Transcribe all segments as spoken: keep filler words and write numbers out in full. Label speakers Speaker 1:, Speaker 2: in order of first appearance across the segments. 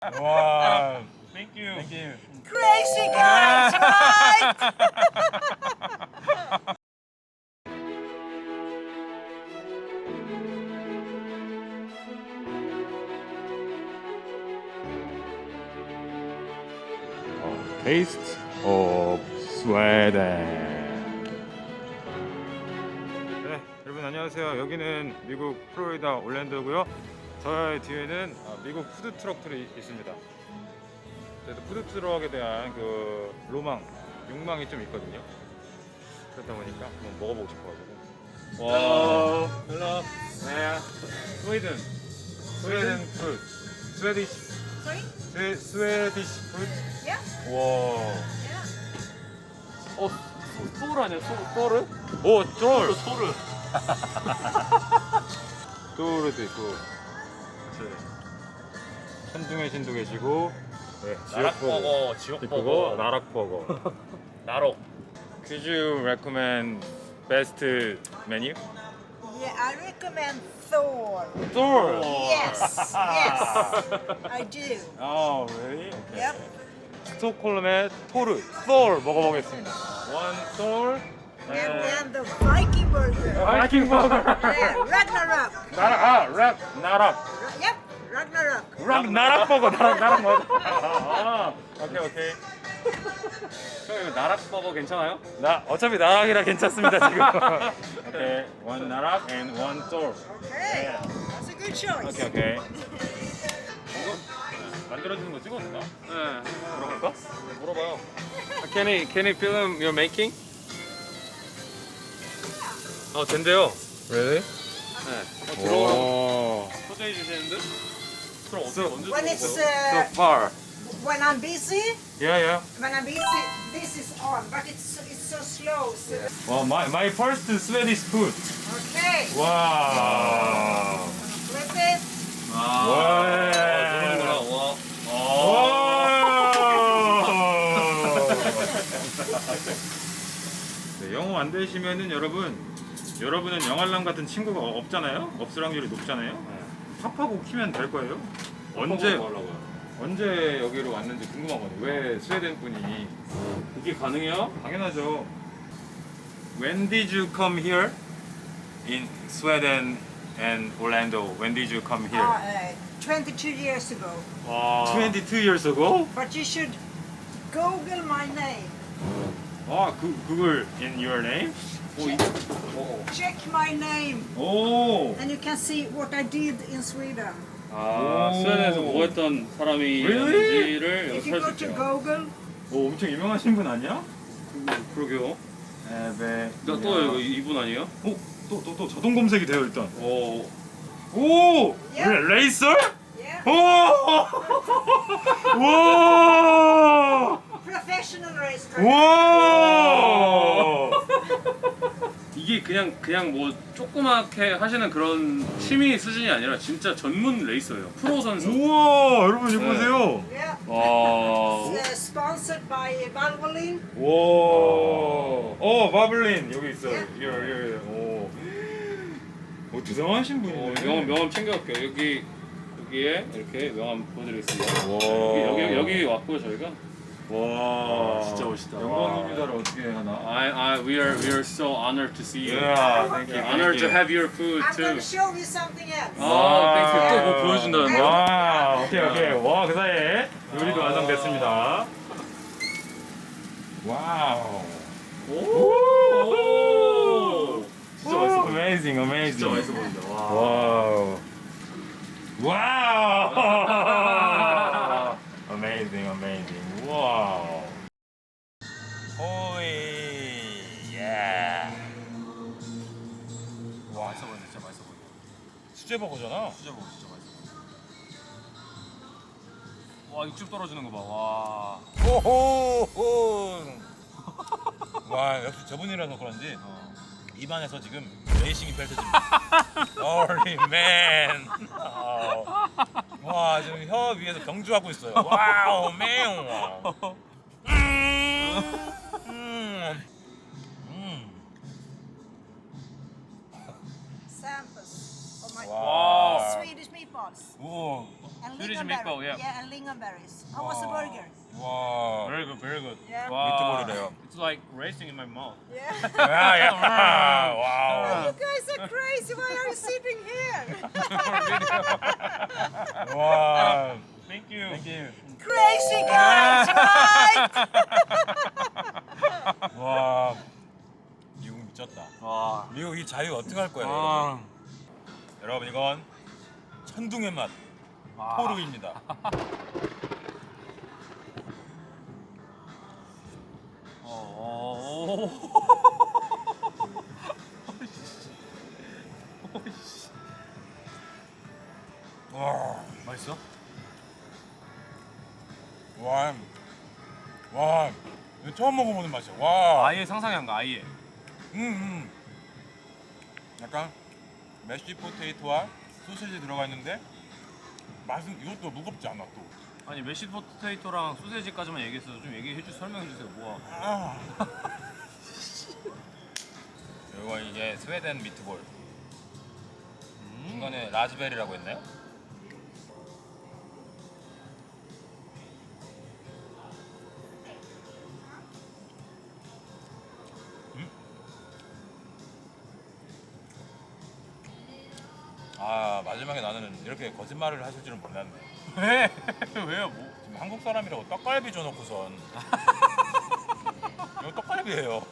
Speaker 1: Wow. Thank you. Thank you.
Speaker 2: Crazy guys, right?
Speaker 1: Taste of Sweden. 네, 여러분 안녕하세요. 여기는 미국 플로리다 올랜도고요. 저의 뒤에는 미국 푸드 트럭들이 있습니다. 그래서 푸드 트럭에 대한 그 로망, 욕망이 좀 있거든요. 그러다 보니까 한번 먹어보고 싶어가지고. 와, hello. 네, 스웨덴, 스웨덴 푸드, 스웨디시,
Speaker 2: Sorry?
Speaker 1: 스웨 스웨디시 푸드.
Speaker 2: Yeah?
Speaker 1: 와.
Speaker 2: Yeah.
Speaker 3: 어, 소, 소울 아니야? 소, 소울?
Speaker 1: 오, 쫄.
Speaker 3: 소울.
Speaker 1: 쫄도 있고. 천둥의 신도 계시고. 네,
Speaker 3: 나락버거,
Speaker 1: 있고,
Speaker 3: 지옥버거,
Speaker 1: 나락버거.
Speaker 3: 나록.
Speaker 1: Could you recommend best menu?
Speaker 2: Yeah, I recommend Thor.
Speaker 1: Thor.
Speaker 2: Yes, yes, I do.
Speaker 1: Oh, really? Okay.
Speaker 2: Yep.
Speaker 1: 스톡홀름의 토르, Thor 먹어보겠습니다. One Thor.
Speaker 2: And then the Viking burger.
Speaker 1: 바이킹 버거.
Speaker 2: Yeah, Ragnarok.
Speaker 1: 나락, 아, 락, 나락.
Speaker 2: Ra- Yep, Ragnarok.
Speaker 1: 락, 나락 버거, 나락, 나락 먹어. 아, 오케이, 오케이.
Speaker 3: 형 이거 나락버거 괜찮아요?
Speaker 1: 나 어차피 나락이라 괜찮습니다 지금. 오케이, one 나락 and one Thor.
Speaker 2: Okay, that's a good choice.
Speaker 1: 오케이, 오케이. 이거 만들어주는 거 찍었나?
Speaker 3: 네.
Speaker 1: 물어볼까?
Speaker 3: 물어봐요. Can he, can he film your making?
Speaker 1: 어, 된대요. Really?
Speaker 3: 네. 어, 들어오라고
Speaker 1: 오.
Speaker 3: 초대해 주시는데? 그럼 어떻게 언제
Speaker 2: When it's
Speaker 3: 들어오세요?
Speaker 2: uh,
Speaker 1: So far.
Speaker 2: when I'm busy,
Speaker 1: Yeah, yeah.
Speaker 2: when I'm busy, this is on, but it's it's so slow. So
Speaker 1: Well, my my first Swedish food.
Speaker 2: okay,
Speaker 1: Wow.
Speaker 2: flip it.
Speaker 3: 아,
Speaker 1: 와.
Speaker 3: 들어오는구나. 와.
Speaker 1: 네, 영어 안 되시면은 여러분, 여러분은 영알람 같은 친구가 없잖아요. 없을 확률이 높잖아요. 팝하고 키면 될 거예요. 언제
Speaker 3: 뭐 하려고요?
Speaker 1: 언제 여기로 왔는지 궁금하거든요. 왜 스웨덴 분이?
Speaker 3: 그게 가능해요?
Speaker 1: 당연하죠. When did you come here? In Sweden and Orlando. When did you come here?
Speaker 2: Uh, uh, twenty-two years ago.
Speaker 3: 와.
Speaker 1: twenty-two years ago?
Speaker 2: But you should Google my name.
Speaker 1: 아, 그 그걸 in your name?
Speaker 3: 오, 이, 어,
Speaker 2: Check my name,
Speaker 1: 오.
Speaker 2: and you can see what I did in Sweden.
Speaker 3: 아,
Speaker 1: 오.
Speaker 3: 스웨덴에서 뭐 했던 사람이었는지를
Speaker 2: If
Speaker 3: 여기
Speaker 2: you go
Speaker 3: 살 수
Speaker 2: to
Speaker 3: 있죠.
Speaker 2: Google,
Speaker 1: 오, 엄청 유명하신 분 아니야?
Speaker 3: 그러게요.
Speaker 1: 에베.
Speaker 3: 나 또 이거 이분 아니에요?
Speaker 1: 어, 또 또 또 자동 검색이 돼요 일단.
Speaker 3: 오.
Speaker 1: 오,
Speaker 2: 예.
Speaker 1: 레, 레이서?
Speaker 2: yeah,
Speaker 1: 오, 와,
Speaker 2: professional racetrack.
Speaker 1: 와.
Speaker 3: 이게 그냥 그냥 뭐 조그맣게 하시는 그런 취미 수준이 아니라 진짜 전문 레이서예요. 프로 선수.
Speaker 1: 우와, 여러분 이거
Speaker 3: 네.
Speaker 1: 보세요.
Speaker 2: Yeah,
Speaker 3: 와.
Speaker 2: uh, sponsored by Valvoline.
Speaker 1: 와, 어, 바블린 여기 있어요. 여기, 여기, 오, 오, 대단하신
Speaker 3: 어,
Speaker 1: 분이네.
Speaker 3: 명함 명함 챙겨갈게요. 여기 여기에 이렇게 명함 보여드리겠습니다.
Speaker 1: 와.
Speaker 3: 여기 여기 여기 왔고요 저희가.
Speaker 1: 와,
Speaker 3: 진짜 멋있다.
Speaker 1: 영광입니다를 어떻게 하나?
Speaker 3: I I we are we are so honored to see you.
Speaker 1: Yeah, thank you.
Speaker 3: Yeah, honored to
Speaker 1: thank you.
Speaker 3: have your food
Speaker 2: I'm
Speaker 3: too.
Speaker 2: going to show you something else.
Speaker 3: 아, 땡큐. 또 뭐
Speaker 2: 네.
Speaker 3: 보여준다는데요?
Speaker 1: 와, 오케이 오케이. 와, 그 사이에 요리도 완성됐습니다. 와우.
Speaker 3: 오. 오. 진짜 맛있어. 보인다.
Speaker 1: Amazing, amazing.
Speaker 3: 진짜 맛있어 보인다. 와.
Speaker 1: 와우. 와우. Amazing, amazing. 와우. 호이. 예.
Speaker 3: 와, 맛있어 보인다. 진짜 맛있어 보인다.
Speaker 1: 수제버거잖아.
Speaker 3: 진짜 먹어, 진짜 맛있어. 와, 육즙 떨어지는 거 봐. 와.
Speaker 1: 호호호. 와, 역시 저분이라서 그런지 입안에서 지금 레이싱이 펼쳐집니다. Holy man. 어. 와, 지금 혀 위에서 경주하고 있어요. 와우, 매우. 음. 음. 음.
Speaker 2: Samples of my
Speaker 1: 와.
Speaker 2: Swedish meatballs.
Speaker 1: 오.
Speaker 2: And
Speaker 3: Swedish
Speaker 2: lingonberry.
Speaker 3: meatball, yeah.
Speaker 2: Yeah, and lingonberries. How was the
Speaker 1: Wow.
Speaker 2: burger?
Speaker 1: 와.
Speaker 3: Very good, very good.
Speaker 2: Yeah.
Speaker 1: 미트볼이래요.
Speaker 3: It's like racing in my mouth.
Speaker 2: Yeah.
Speaker 1: 야, 야. 와우.
Speaker 2: You guys are crazy. Why are you sitting here?
Speaker 1: 와.
Speaker 3: Thank you.
Speaker 1: Thank you.
Speaker 2: Crazy guys, right?
Speaker 1: 와. 미국 미쳤다.
Speaker 3: 와.
Speaker 1: 미국 이 자유 어떻게 할 거예요,
Speaker 3: 아.
Speaker 1: 여러분? 여러분 이건 천둥의 맛
Speaker 3: 아.
Speaker 1: 포르입니다.
Speaker 3: 어.
Speaker 1: 와.
Speaker 3: 맛있어?
Speaker 1: 와. 와. 이거 처음 먹어보는 맛이야. 와.
Speaker 3: 아예 상상이 안 가. 아예.
Speaker 1: 음, 음. 약간 메쉬 포테이토와 소시지 들어가 있는데 맛은 이것도 무겁지 않아 또.
Speaker 3: 아니 메시 포테이토랑 소세지까지만 얘기했어. 좀 얘기해 주 설명해 주세요. 뭐야?
Speaker 1: 아. 이거 이게 스웨덴 미트볼.
Speaker 3: 음.
Speaker 1: 중간에 라즈베리라고 했나요? 음? 아 마지막에 나는 이렇게 거짓말을 하실 줄은 몰랐네.
Speaker 3: 왜? 왜요? 뭐?
Speaker 1: 지금 한국 사람이라고 떡갈비 줘놓고선 이거 떡갈비예요.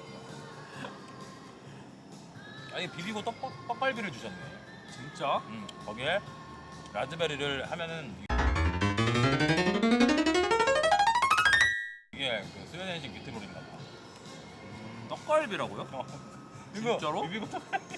Speaker 1: 아니 비비고 떡, 떡갈비를 주셨네.
Speaker 3: 진짜?
Speaker 1: 음, 거기에 라즈베리를 하면은 이게 그 스웨덴식 미트볼인가 봐.
Speaker 3: 떡갈비라고요?
Speaker 1: 어.
Speaker 3: 진짜로?
Speaker 1: 비비고 떡갈비.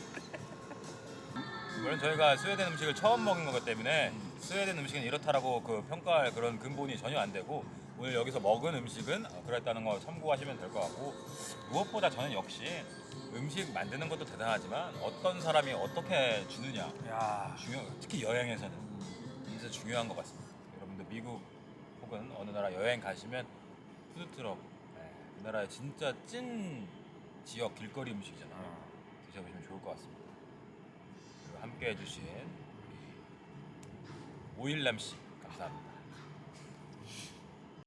Speaker 1: 물론 저희가 스웨덴 음식을 처음 먹은 거기 때문에 스웨덴 음식은 이렇다라고 그 평가할 그런 근본이 전혀 안 되고 오늘 여기서 먹은 음식은 그랬다는 거 참고하시면 될 것 같고 무엇보다 저는 역시 음식 만드는 것도 대단하지만 어떤 사람이 어떻게 주느냐
Speaker 3: 야.
Speaker 1: 중요 특히 여행에서는 진짜 중요한 것 같습니다. 여러분들 미국 혹은 어느 나라 여행 가시면 푸드트럭 네, 그 나라의 진짜 찐 지역 길거리 음식이잖아요. 드셔보시면 좋을 것 같습니다. 그리고 함께 해주신 오일남 씨 감사합니다.